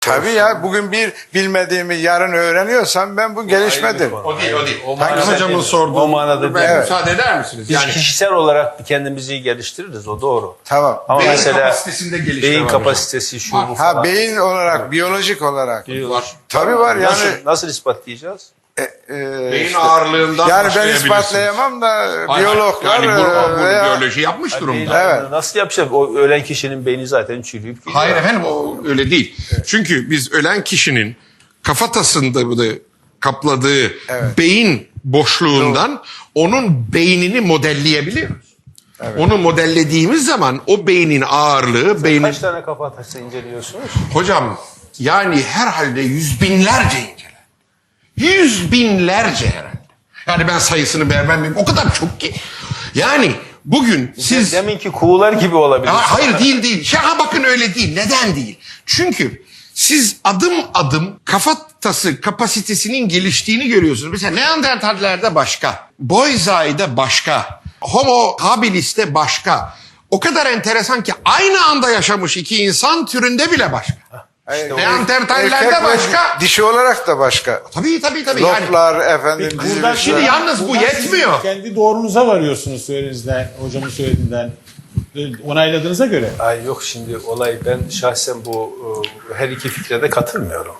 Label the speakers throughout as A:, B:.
A: Tabii ya, bugün bir bilmediğimi yarın öğreniyorsam ben bu gelişmedir.
B: O değil.
C: Hangi hocamın sorduğu?
B: O manada değil.
C: Müsaade eder misiniz?
B: Biz kişisel olarak kendimizi geliştiririz, o doğru.
A: Tamam.
B: Ama
C: beyin
B: mesela
C: kapasitesinde gelişme
B: beyin
C: var hocam.
B: kapasitesi şu bu falan.
A: Ha, beyin olarak, biyolojik olarak.
C: var.
A: Tabii var yani.
B: Nasıl ispatlayacağız?
C: Beyin
A: işte,
C: ağırlığından
A: yani ben
C: başlayabilirsiniz.
A: ispatlayamam da
C: Hayır,
A: biyologlar
C: yani bunu
A: veya-
C: biyoloji yapmış durumda.
A: Evet.
B: Nasıl yapacağız? O ölen kişinin beyni zaten çürüyüp gidiyor.
C: Hayır efendim, o öyle değil. Çünkü biz ölen kişinin kafatasında da kapladığı beyin boşluğundan onun beynini modelleyebiliyoruz. Onu modellediğimiz zaman o beynin ağırlığı, beynin...
B: Kaç tane kafatası inceliyorsunuz?
C: Hocam yani herhalde yüz binlerce inceler. Yüz binlerce herhalde. Yani ben sayısını vermem, o kadar çok ki. Yani bugün siz...
B: Deminki kuğular gibi olabilir.
C: Hayır, değil. Şaka, bakın öyle değil. Neden değil? Çünkü siz adım adım kafatası kapasitesinin geliştiğini görüyorsunuz. Mesela Neandertallerde başka, Boisai'de başka, Homo habilis'te başka. O kadar enteresan ki aynı anda yaşamış iki insan türünde bile başka.
A: İşte
C: Neandertallerde
A: erkek ve
C: başka.
A: dişi olarak da başka.
C: Tabii. Yani,
A: Loplar efendim.
D: Buradan
C: şimdi yalnız bu yetmiyor.
D: Kendi doğrunuza varıyorsunuz söylediğinizden, hocamın söylediğinden. Onayladığınıza göre.
B: Ay yok, şimdi olay, ben şahsen bu her iki fikre de katılmıyorum.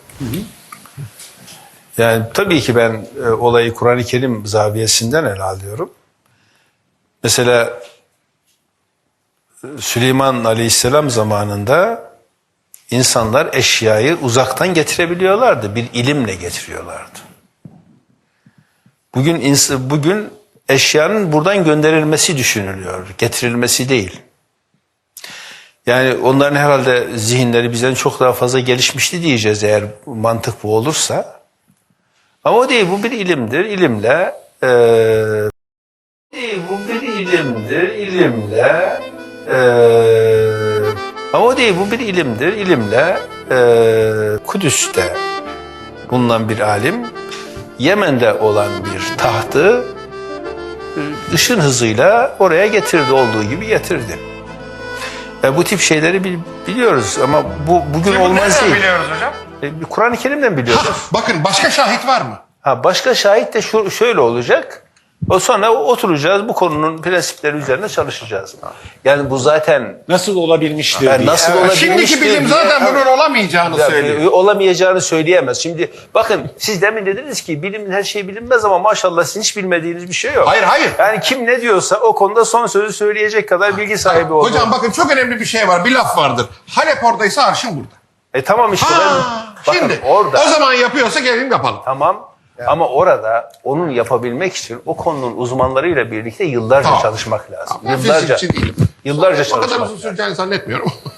B: Yani tabii ki ben olayı Kur'an-ı Kerim zaviyesinden ele alıyorum. Mesela Süleyman Aleyhisselam zamanında insanlar eşyayı uzaktan getirebiliyorlardı. Bir ilimle getiriyorlardı. Bugün eşyanın buradan gönderilmesi düşünülüyor, getirilmesi değil. Yani onların herhalde zihinleri bizden çok daha fazla gelişmişti diyeceğiz eğer mantık bu olursa. Ama o değil, bu bir ilimdir. İlimle Kudüs'te bulunan bir alim Yemen'de olan bir tahtı ışın hızıyla oraya getirdi, olduğu gibi getirdi. Bu tip şeyleri biliyoruz ama bugün olmaz değil.
C: biliyoruz hocam?
B: Kur'an-ı Kerim'den biliyoruz.
C: Bakın, başka şahit var mı?
B: Başka şahit de şöyle olacak. Sonra oturacağız, bu konunun prensipleri üzerine çalışacağız. Yani bu zaten
D: Nasıl olabilmiştir
B: yani
D: diye.
B: nasıl olabilmiştir
C: Şimdiki bilim
B: diye-
C: zaten bunun olamayacağını söylüyor.
B: olamayacağını söyleyemez. Şimdi bakın, siz demin dediniz ki bilimin her şeyi bilinmez ama maşallah sizin hiç bilmediğiniz bir şey yok.
C: Hayır.
B: Yani kim ne diyorsa o konuda son sözü söyleyecek kadar bilgi sahibi oldu.
C: Hocam bakın, çok önemli bir şey var. Bir laf vardır. Halep oradaysa arşın burada.
B: Tamam işte bakın,
C: Şimdi
B: orada
C: o zaman yapıyorsa gelin yapalım.
B: tamam. Ama orada onun yapabilmek için o konunun uzmanlarıyla birlikte yıllarca
C: Tamam.
B: çalışmak lazım.
C: Ben fizikçi değilim.
B: Yıllarca
C: O kadar
B: çalışmak
C: uzun
B: lazım.
C: süreceğini zannetmiyorum.